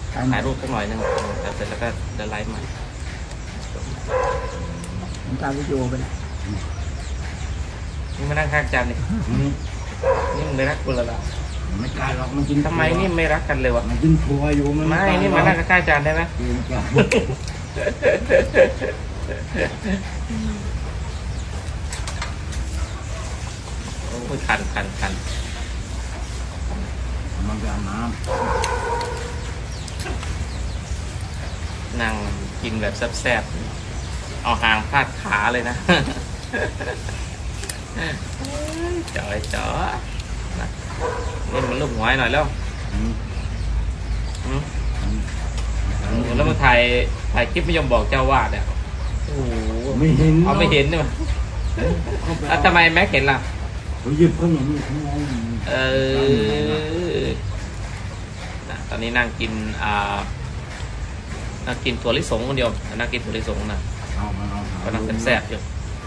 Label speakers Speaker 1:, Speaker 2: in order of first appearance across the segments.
Speaker 1: ถ่ายรูปสักหน่อยนึงเสร็จแล้วก็จะไลฟ์ใหม่
Speaker 2: ผมตามวิดีโอไปแล้ว
Speaker 1: นี่มานั่งข้างจันนี่นี่มึงไม่รักกูเลยล่ะ
Speaker 3: ไม่กล้าหรอกมันกิน
Speaker 1: ทำไมนี่ไม่รักกันเลยวะ
Speaker 3: มันกินทัวอยู่มัน
Speaker 1: ไม่นี่มานั่งข้างจันได้ไหมโอ้ยคัน
Speaker 3: มันจะน้
Speaker 1: นั่งกินแบบแซ่บๆเอาหางพาดขาเลยนะจ๋อยจ๋อนะนี่มันลูกหัวให้หน่อยแล้ว แล้วมาถ่ายคลิปไม่ยอมบอกเจ้าวาดเนี่ยโอ้โห
Speaker 3: ไม่เห็น
Speaker 1: เอาไม่เห็นใช่ไหมแล้วทำไมแม็กเห็นล่ะ
Speaker 3: เขาหยิบขนมข้างใน
Speaker 1: ตอนนี้นั่งกินนั่งกินถั่วลิสงคนเดียวนั่งกินถั่วลิสงนะ
Speaker 3: เอามาเอา
Speaker 1: ก็นั่งแซ่บๆอยู่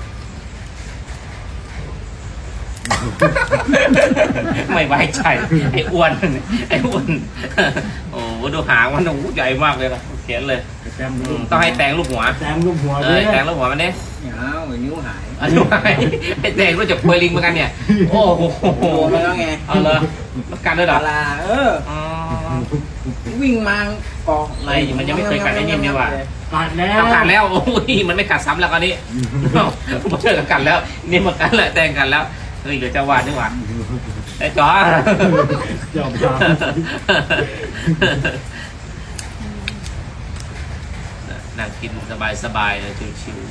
Speaker 1: ไม่ไว้ใจไอ้อ้วนโอ้โหดูหางมันใหญ่มากเลยนะเขียนเลย
Speaker 3: แต้มลูก
Speaker 1: ต้องให้แตงลูกหัว
Speaker 3: แต้มลูกหัว
Speaker 1: แตงลูกหัวมันเนี่ย
Speaker 2: เอานิ้วหาย
Speaker 1: อันนี้ไอ้แตงรู้จักโปรยลิงเหมือนกันเนี่ยโอ้โห
Speaker 2: โอ้แล้วไง
Speaker 1: เอาเลยมันกันด้วยเหรอ
Speaker 2: ลา
Speaker 1: อ๋อ
Speaker 2: วิ่งมาเกาะ
Speaker 1: ไม่มันยังไม่เคยกัดไอ้นิ่มนี่ว่ะ
Speaker 3: กัดแล้ว
Speaker 1: เอากัดแล้วโอ้ยมันไม่กัดซ้ำแล้วคราวนี้มาเจอกันแล้วนี่มากันแล้วแตงกันแล้วเฮ้ยเดี๋ยวจะวาดด้วยว่ะไอ้จ๋อ
Speaker 3: เจ้าตา
Speaker 1: นั่งกินสบายๆเลยชิว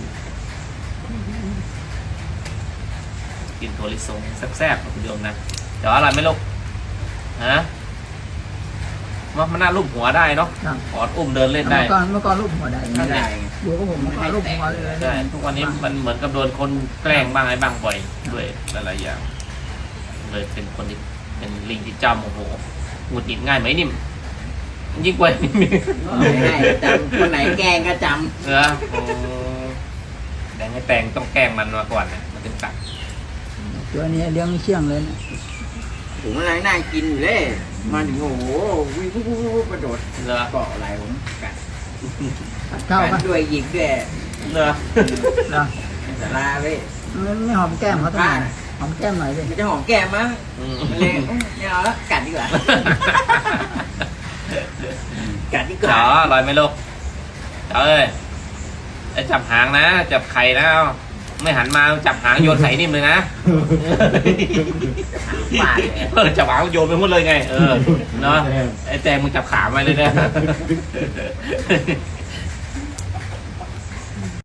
Speaker 1: ๆกินถั่วลิสงแซ่บๆคุณโยมนะเดี๋ยวอร่อยไหมลูกฮะมันน่าลูบหัวได้เนาะออดอุ้มเดินเล่นได้
Speaker 2: เมื่อก่อนรูปหัวได้ไม่ได้อยู่กับผมเมื่อก่อนรูปหัวเลย
Speaker 1: ใช่ทุกวันนี้มันเหมือนกับโดนคนแกล้งบ้างอะไรบ้างบ่อยด้วยหลายๆอย่างเลยเป็นคนที่เป็นลิงที่จำโอ้โหหงุดหงิดง่ายไหมนิ่มยิ่งกว่านิ่ม
Speaker 2: ง่ายจำคนไหนแกล้งก็จ
Speaker 1: เออแดงให้แตงต้องแกล้งมันมาก่อนนะมันถึงตัด
Speaker 2: ำตัวนี้เลี้ยงเชี่ยงเลยนะ
Speaker 4: ผมกำลังนั่งกินอยู่เลยมาถึงโอ้โหวิ่งกระโดด
Speaker 1: เหรอ
Speaker 4: เกาะไหล่ผมกัด
Speaker 2: เข้า
Speaker 4: กั
Speaker 2: ปะ
Speaker 4: ดด้วยหยิกด้วย
Speaker 1: เหรอ
Speaker 2: เหรอ
Speaker 4: สาราเว้ย
Speaker 2: ไม่หอมแก้มเขาทำไมหอมแก้มหน่อยดิ
Speaker 4: มันจะหอมแก้มมั้ง
Speaker 1: อืม
Speaker 4: มันเลยไม่เอาแล้วกัดดีกว่ากัดดีก
Speaker 1: จ๋
Speaker 4: ว่า
Speaker 1: ออร่อยไหมลูกจ๋อเอ้ยไอ้จับหางนะจับไข่นะเอาไม่หันมาจับหางโยนใส่นิ่มเลยนะ
Speaker 4: บาดเลย
Speaker 1: จับหางโยนไปหมดเลยไงเนาะไอ้แตงมึงจับขาไว้เลยนะ